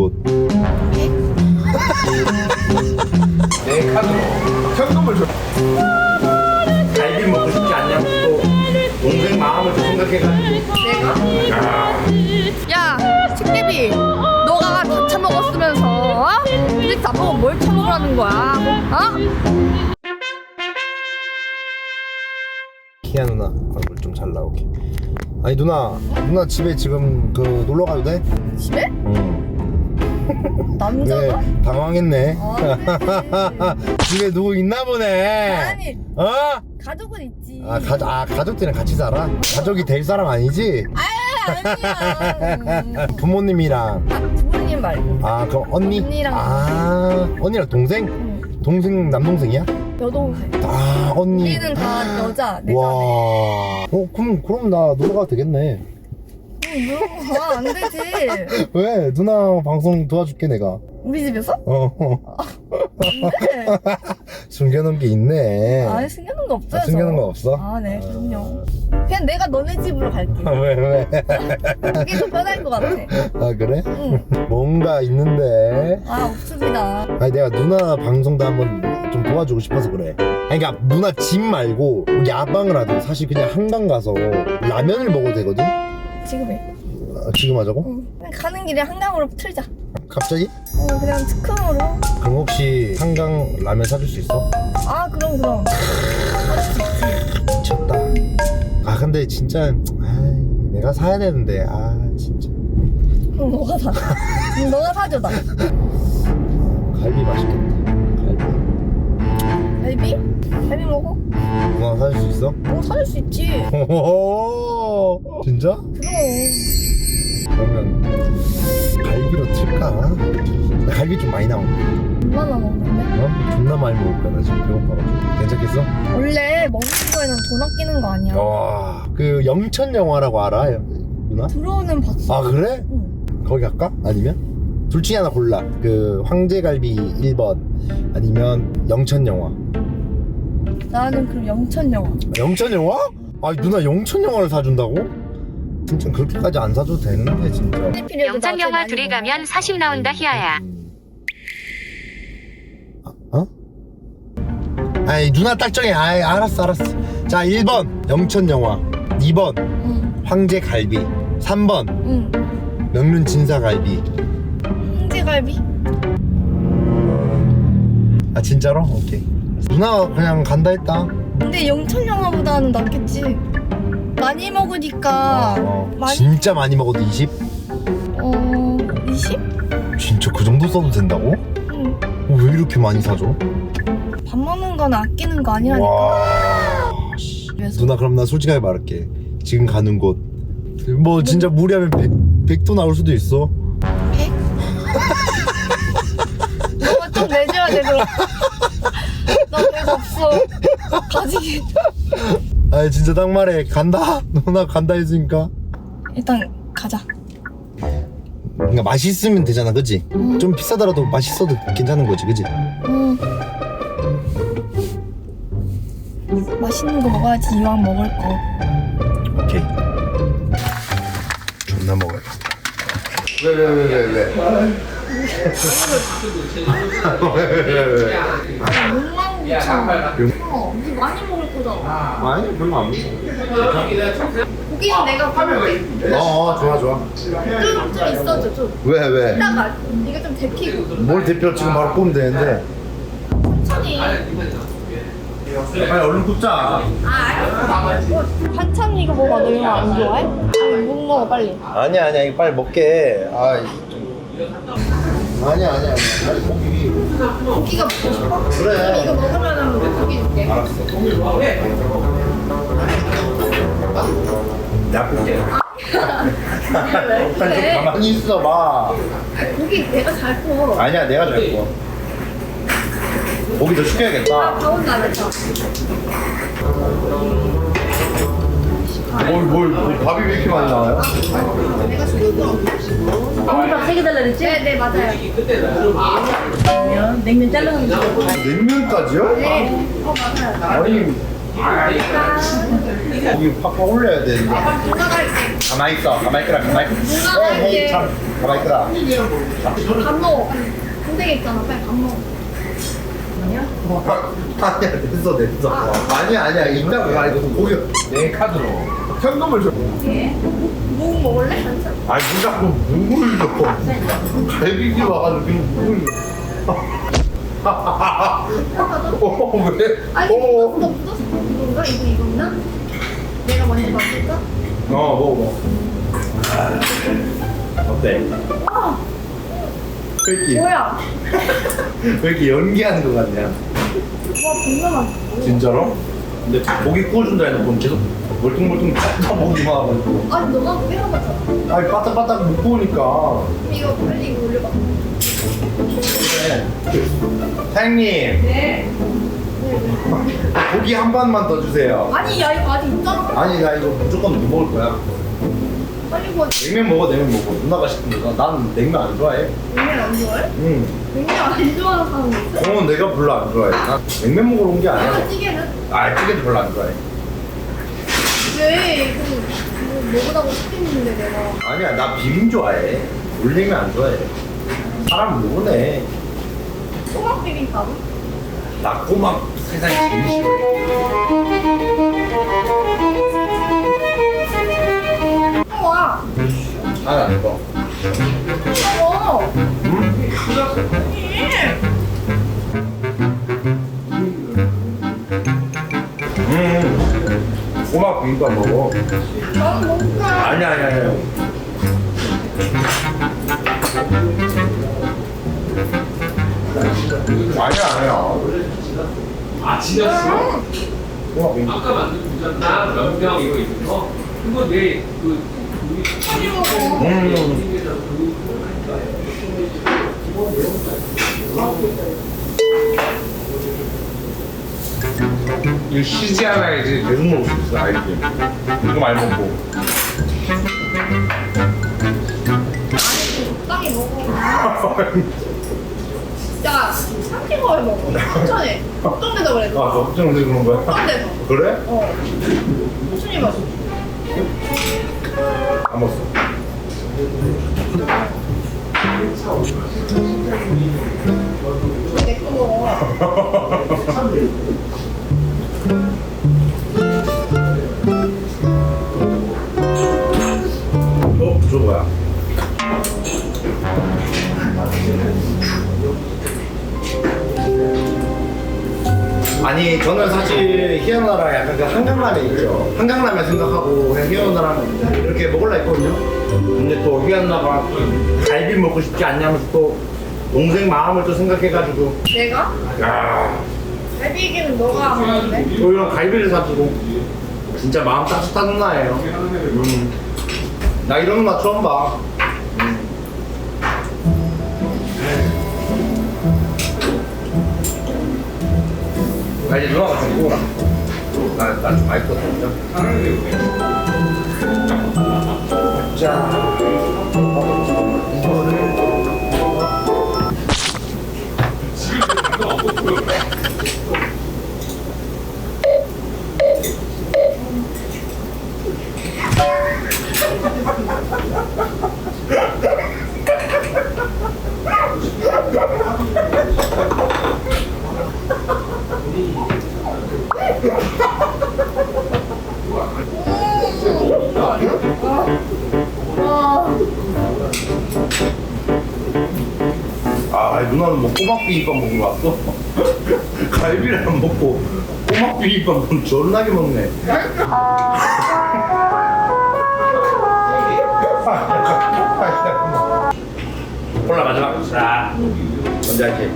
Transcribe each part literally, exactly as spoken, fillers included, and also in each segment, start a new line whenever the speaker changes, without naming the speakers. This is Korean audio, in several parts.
곳.
내 카드로 현금을 줘. 갈비 먹고 싶지 않냐고 또 동생 마음을 좀 생각해가지고.
내가? 야, 식대비, 너가 다 처먹었으면서 어? 근데 나보고 뭘 처먹으라는 거야? 어?
키아 누나 얼굴 좀 잘 나오게. 아니 누나, 누나 집에 지금 그 놀러 가도 돼?
집에?
응.
남자가?
네, 당황했네.
아,
집에 누구 있나 보네.
아니,
어?
가족은 있지.
아, 가, 아 가족들이랑 같이 살아? 가족이 될 사람 아니지?
아니야. 음.
부모님이랑.
아, 부모님 말고.
아 그럼 언니?
언니랑.
아 언니랑 동생?
응.
동생 남동생이야?
여동생.
아 언니.
우리는 다 여자, 내
와.
자매.
어 그럼 그럼 나 놀러 가도 되겠네.
응, 뭐, 안 되지.
왜? 누나 방송 도와줄게 내가.
우리 집에서?
어. 어.
안 돼.
숨겨놓은 게 있네.
아니, 숨겨놓은 거 없어요.
아, 숨겨놓은
저.
거 없어?
아, 네, 그럼요. 그냥 내가 너네 집으로 갈게.
아, 왜 왜?
그게 더 편할 것 같아.
아 그래?
응.
뭔가 있는데.
아, 없습니다.
아니 내가 누나 방송도 한번 좀 도와주고 싶어서 그래. 아니 그러니까 누나 집 말고 야방을 하든 사실 그냥 한강 가서 라면을 먹어도 되거든?
지금 해.
아, 지금 하자고?
응. 그냥 가는 길에 한강으로 틀자.
갑자기?
어, 그냥 특흥으로.
그럼 혹시 한강 라면 사줄 수 있어?
아, 그럼, 그럼. 할 수 있지.
미쳤다. 아 근데 진짜 아이, 내가 사야 되는데 아 진짜
그럼 너가 사. 그럼 너가 사줘, 나.
갈비 맛있겠다. 갈비.
갈비? 갈비 먹어?
누나 사줄 수 있어?
어, 사줄 수 있지.
호호호. 진짜?
그럼.
그러면 갈비로 틀까? 나 갈비 좀 많이 나오네.
얼마나 먹는데?
어? 존나 많이 먹을 거야 나 지금 배고파가지고. 괜찮겠어?
원래 먹는 거에는 돈 아끼는 거 아니야.
와, 그 영천 영화라고 알아? 누나?
들어오는 봤어.
아 그래?
응.
거기 갈까? 아니면? 둘 중에 하나 골라. 그 황제갈비 일 번 아니면 영천 영화.
나는 그럼 영천 영화.
영천 영화? 아니 누나 영천 영화를 사준다고? 진짜 그렇게까지 안 사줘도 되는데 진짜.
영천 영화 둘이 가면 사십 나온다 희아야.
어? 아니 누나 딱 정해. 아이 알았어 알았어. 자 일 번 영천 영화, 이 번
응.
황제갈비, 삼 번
응.
명륜 진사갈비.
황제갈비?
아 진짜로? 오케이. 누나 그냥 간다 했다.
근데 영천 영화보다는 낫겠지. 많이 먹으니까.
어,
많이.
진짜 많이 먹어도 이십?
어, 이십?
진짜 그 정도 써도 된다고?
응.
어, 왜 이렇게 많이 사줘?
밥 먹는 건 아끼는 거 아니라니까.
와 씨.
그래서.
누나 그럼 나 솔직하게 말할게. 지금 가는 곳 뭐 진짜 무리하면 백, 백도 나올 수도 있어.
백? 너가 좀 내줘야 돼, 그럼. 나 백 없어. 가지기.
아니 진짜 딱 말해. 간다. 누나 간다 했으니까.
일단 가자.
그러니까 맛있으면 되잖아, 그치?
음.
좀 비싸더라도 맛있어도 괜찮은 거지, 그치?
응. 맛있는 거 먹어야지 이왕 먹을 거.
오케이. 존나 먹어야겠다. 왜, 왜, 왜, 왜, 왜? 왜, 왜, 왜, 왜?
욕망 고쳐. 어, 우리 많이 먹을 거잖아.
아니, 별로 안 먹어.
고기는 내가 구울게.
어, 어, 좋아, 좋아.
좀, 좀 있어줘, 좀.
왜, 왜?
이따가 네가 좀 데피고.
뭘 대표 지금 바로 뽑으면 되는데.
천천히.
빨리 얼른 굽자.
아, 알았어. 반찬 이거 먹어. 너 이거 안 좋아해? 아니, 못 먹어, 빨리.
아니야, 아니야, 이거 빨리 먹게. 아, 좀. 아니야, 아니야, 아니야. 빨리 고기.
고기가 먹고 싶어?
그래.
이거 먹으면 고기 줄게.
알았어. 약국에.
왜 그래?
가만히 있어봐.
고기 내가 잘 구워.
아니야, 내가 잘 구워. 고기 더
아,
시켜야겠다.
가온 나겠다.
뭘, 뭘, 뭘, 밥이 왜 이렇게 많이 나와요?
내가 시킨 거.
공깃밥 세 개 달라 그랬지?
네, 네, 맞아요.
냉면, 냉면 잘라서
냉면까지요?
네. 어, 맞아요.
아니, 고기 팍팍 올려야 되는데.
누나 갈게.
가만히 있어. 가만히 있거라. 가만히 있어.
누나
에이,
갈게.
참. 가만히 있거라.
밥 먹어. 군대 있잖아. 빨리 밥 먹어.
아니야, 됐어, 됐어. 아니야, 아니야. 인다고. 아니, 고기.
내 카드로
현금을 줘.
뭐 먹을래? 한참.
아니, 뭐 자꾸 묵을 줘. 갈비기 와가지고 지금 묵을 줘. 어, 왜?
아니
어,
묻었어 묻었어. 이건가? 이거 이건가? 내가 먼저 맞을까?
어, 먹어, 먹어. 어때?
와
왜 이렇게,
뭐야?
왜 이렇게 연기하는 거 같냐?
와 존나 맛있어.
진짜로? 근데 고기 구워준다 해놓고 계속 멀뚱멀뚱 쳐보기만 하고.
아니 너가 고기 한 거잖아.
아니, 바닥바닥 못 구우니까.
이거 빨리 이거 올려봐.
그래. 사장님,
네.
고기 한 반만 더 주세요.
아니 야 이거 아직 있잖아.
아니, 나 이거 무조건 못 먹을 거야.
빨리 구워.
냉면 먹어, 냉면 먹어. 누나가 시킨 거. 난 냉면 안 좋아해.
냉면 안 좋아해?
응.
냉면 안 좋아하는 사람 있어?
어, 내가 별로 안 좋아해. 난 냉면 먹으러 온 게 아니야.
내가 찌개는?
아, 찌개도 별로 안 좋아해.
왜? 그 뭐, 먹으라고 시켰는데 내가.
아니야, 나 비빔 좋아해. 물냉면 안 좋아해. 사람 모르네.
소박 비빔밥?
나 꼬막 세상에 제일 싫어.
와.
아니, 안 먹어.
어.
응? 음. 꼬막 비빔밥 먹어.
난 먹자.
아니야, 아니야, 아니야. 아니야, 아니야.
아 지났어?
꼬막 비빔밥.
아까 만든 부자나 명령 이거 있는 거 그거 내그
빨리 먹어.
음. 이거 쉬지 않아야지 계속 먹을 수 있어, 알지? 이거 많이 먹고.
적당히 먹어. 진짜 삼킨 걸 먹어. 천천히. 걱정돼서 그래.
아, 걱정돼서 그런 거야?
걱정돼서.
그래?
어. 천천히 먹어.
안 먹었어.
내거 먹어.
어? 저 뭐야? 아니, 저는 사실 희연아랑 약간 그 한강라면 있죠. 한강라면 생각하고 그냥 희연아랑 이렇게 먹으려 했거든요. 근데 또 희연아가 갈비 먹고 싶지 않냐면서 또 동생 마음을 또 생각해가지고
내가?
야,
갈비 얘기는 너가 하는데?
또 이런 갈비를 사주고 진짜 마음 따뜻한 누나예요. 음. 나 이런 누나 처음 봐. 음. 나 이제 누나가 좀 구워라. 나좀 맛있거든요. 자, 이거를 아, 누나는 뭐 꼬막 비빔밥 먹으러 왔어? 갈비를 안 먹고 꼬막 비빔밥은 존나게 먹네. 콜라 마지막. 자, 먼저 할게.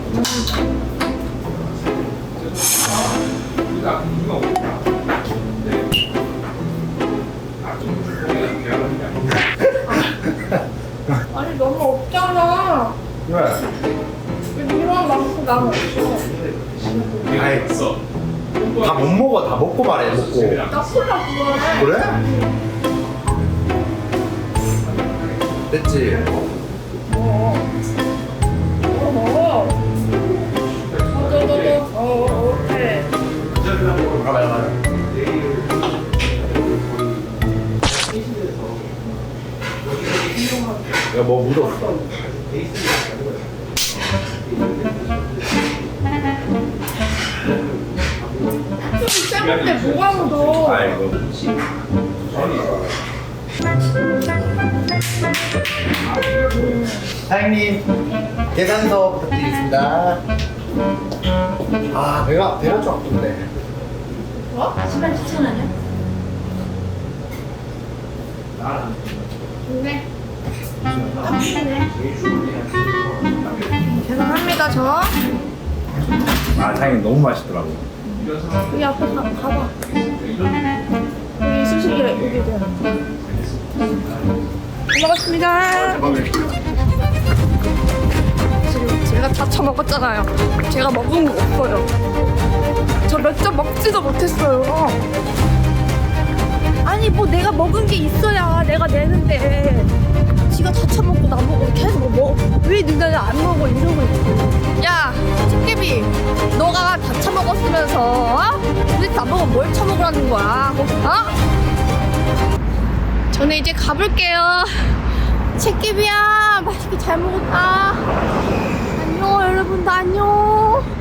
아니 너무 없잖아.
왜?
왜 이런 만큼 나는 없어.
아이, 다 못 먹어. 다 먹고 말해. 먹고.
나 콜라 좋아해.
그래? 됐지?
어. 어. 더더더더 어. 오케이.
가만 가만.
짱인데 뭐가 묻어?
아이고.
사장님 계산서 부탁드리겠습니다. 아 배가 배가 좀 아픈데.
십만 칠천 원이야?
좋네. 딱 좋네. 죄송합니다 저.
아 사장님 너무 맛있더라고.
여기 앞에 가, 가봐. 여기 수식이 여기 돼. 잘 먹었습니다. 지금 제가 다 처먹었잖아요. 제가 먹은 거 없어요. 저 몇 점 먹지도 못했어요. 아니 뭐 내가 먹은 게 있어야 내가 내는데 지가 다 처먹고 나보고 계속 뭐왜 너네는 안 먹어 이러고 있어. 야 집게비 너가 다 처먹었으면서 어? 도대체 나보고 뭘 처먹으라는 거야 어? 저는 이제 가볼게요. 채끼비야 맛있게 잘 먹었다. 안녕 여러분들 안녕.